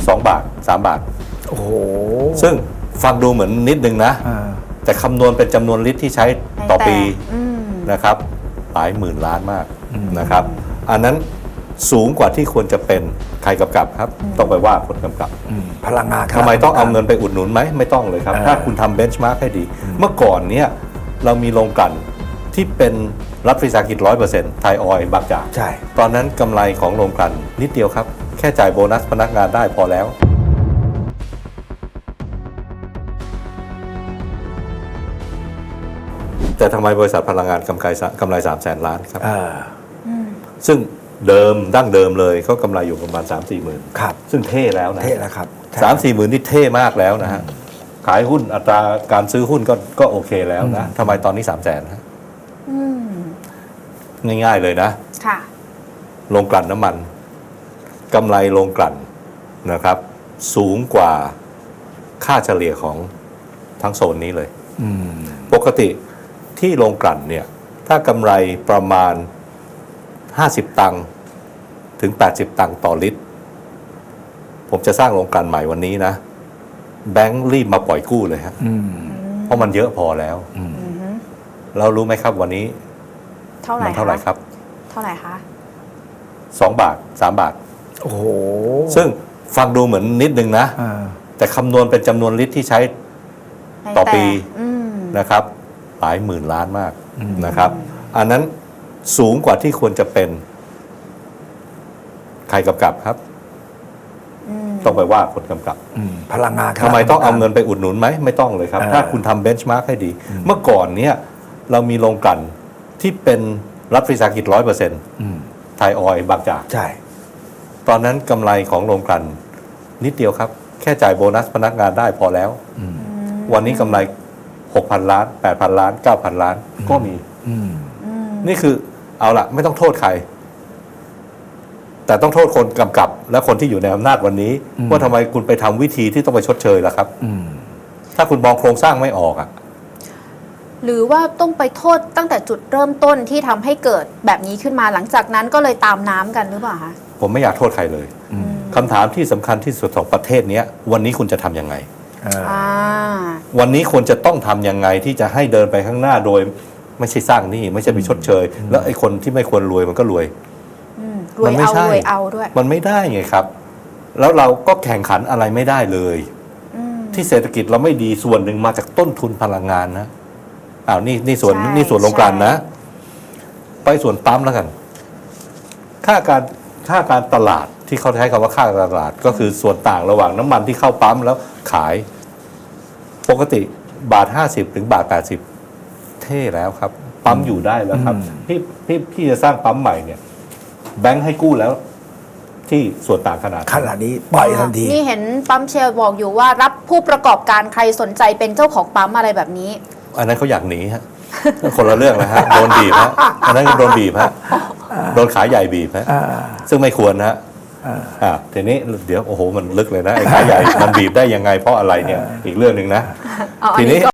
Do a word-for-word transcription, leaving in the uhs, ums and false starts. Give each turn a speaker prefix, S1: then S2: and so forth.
S1: สองบาทสามบาท
S2: โอ้โห
S1: ซึ่งฟังดูเหมือนนิดนึงนะแต่คำนวณเป็นจำนวนลิตรที่ใช้ต่อปีนะครับหลายหมื่นล้านมากนะครับอันนั้นสูงกว่าที่ควรจะเป็นใครกำกับครับต้องไปว่าคนกำกับ
S2: พลังงาน
S1: ทำไมต้องเอาเงินไปอุดหนุนไหมไม่ต้องเลยครับถ้าคุณทำเบนช์มาร์กให้ดีเมื่อก่อนเนี้ยเรามีโรงกลั่นที่เป็นรัฐวิสาหกิจ ร้อยเปอร์เซ็นต์ ไทยออยล์บางจาก
S2: ใช่
S1: ตอนนั้นกำไรของโรงกลั่นนิดเดียวครับแค่จ่ายโบนัสพนักงานได้พอแล้วแต่ทำไมบริษัทพลังงานกำไรกำไรสามแสนล้านครับซึ่งเดิมดั้งเดิมเลยเขากำไรอยู่ประมาณ สามสี่หมื่น
S2: ครับ
S1: ซึ่งเท่แล้วนะ
S2: เท่แล้วครับ
S1: สามสี่หมื่นนี่เท่มากแล้วนะฮะขายหุ้นอัตราการซื้อหุ้นก็ก็โอเคแล้วนะทำไมตอนนี้สามแสนฮะง่ายๆเลยนะ
S3: ค่ะ
S1: โรงกลั่นน้ำมันกำไรโรงกลั่นนะครับสูงกว่าค่าเฉลี่ยของทั้งโซนนี้เลยปกติที่โรงกลั่นเนี่ยถ้ากำไรประมาณห้าสิบตังค์ถึงแปดสิบตังค์ต่อลิตรผมจะสร้างโรงกลั่นใหม่วันนี้นะแบงค์รีบมาปล่อยกู้เลยฮะเพราะมันเยอะพอแล้วเรารู้ไหมครับวันนี้
S3: เท่าไหร่
S1: เท่าไหร่ครับ
S3: เท่าไหร่คะ
S1: สองบาทสามบาท
S2: โอ้โห
S1: ซึ่งฟังดูเหมือนนิดนึงนะแต่คำนวณเป็นจำนวนลิตรที่ใช้ต่อปีนะครับหลายหมื่นล้านมากนะครับอันนั้นสูงกว่าที่ควรจะเป็นใครกำกับครับต้องไปว่าคนกำกับ
S2: พลังงาน
S1: ทำไมต้องเอาเงินไปอุดหนุนไหมไม่ต้องเลยครับถ้าคุณทำเบนช์มาร์กให้ดีเมื่อก่อนเนี้ยเรามีโรงกลั่นที่เป็นรัฐวิสาหกิจ ร้อยเปอร์เซ็นต์ ไทยออยล์บางจาก
S2: ใช่
S1: ตอนนั้นกำไรของโรงกลั่นนิดเดียวครับแค่จ่ายโบนัสพนักงานได้พอแล้ววันนี้กำไร หกพันล้าน แปดพันล้าน เก้าพันล้านก็มีนี่คือเอาละไม่ต้องโทษใครแต่ต้องโทษคนกำกับและคนที่อยู่ในอำนาจวันนี้ว่าทำไมคุณไปทำวิธีที่ต้องไปชดเชยล่ะครับถ้าคุณมองโครงสร้างไม่ออกอ่ะ
S3: หรือว่าต้องไปโทษตั้งแต่จุดเริ่มต้นที่ทำให้เกิดแบบนี้ขึ้นมาหลังจากนั้นก็เลยตามน้ำกันหรือเปล่าคะ
S1: ผมไม่อยากโทษใครเลยคำถามที่สำคัญที่สุดของประเทศนี้วันนี้คุณจะทำยังไงวันนี้ควรจะต้องทำยังไงที่จะให้เดินไปข้างหน้าโดยไม่ใช่สร้างหนี้ไม่ใช่ไปชดเชยแล้วไอ้คนที่ไม่ควรรวยมันก็รวย
S3: รวยเอารวยเอาด้วย
S1: มันไม่ได้ไงครับแล้วเราก็แข่งขันอะไรไม่ได้เลยที่เศรษฐกิจเราไม่ดีส่วนหนึ่งมาจากต้นทุนพลังงานนะอ้าวนี่นี่ส่วนนี่ส่วนโรงกลั่นนะไปส่วนปั๊มแล้วกันค่าการค่าการตลาดที่เขาใช้คำว่าค่าการตลาดก็คือส่วนต่างระหว่างน้ำมันที่เข้าปั๊มแล้วขายปกติบาทห้าสิบถึงบาทแปดสิบเท่แล้วครับปั๊มอยู่ได้แล้วครับที่ที่ที่จะสร้างปั๊มใหม่เนี่ยแบงค์ให้กู้แล้วที่ส่วนต่างขนาด
S2: ขนาดนี้ปล่อยทันที
S3: นี่เห็นปั๊มเชลบอกอยู่ว่ารับผู้ประกอบการใครสนใจเป็นเจ้าของปั๊มอะไรแบบนี้
S1: อันนั้นเขาอยากหนีฮะคนละเรื่องนะฮะโดนบีบฮะอันนั้นโดนบีบฮะโดนขายใหญ่บีบฮะซึ่งไม่ควรนะฮะอ่าทีนี้เดี๋ยวโอ้โหมันลึกเลยนะไอ้ขายใหญ่มันบีบได้ยังไงเพราะอะไรเนี่ยอีกเรื่องหนึ่งนะทีนี้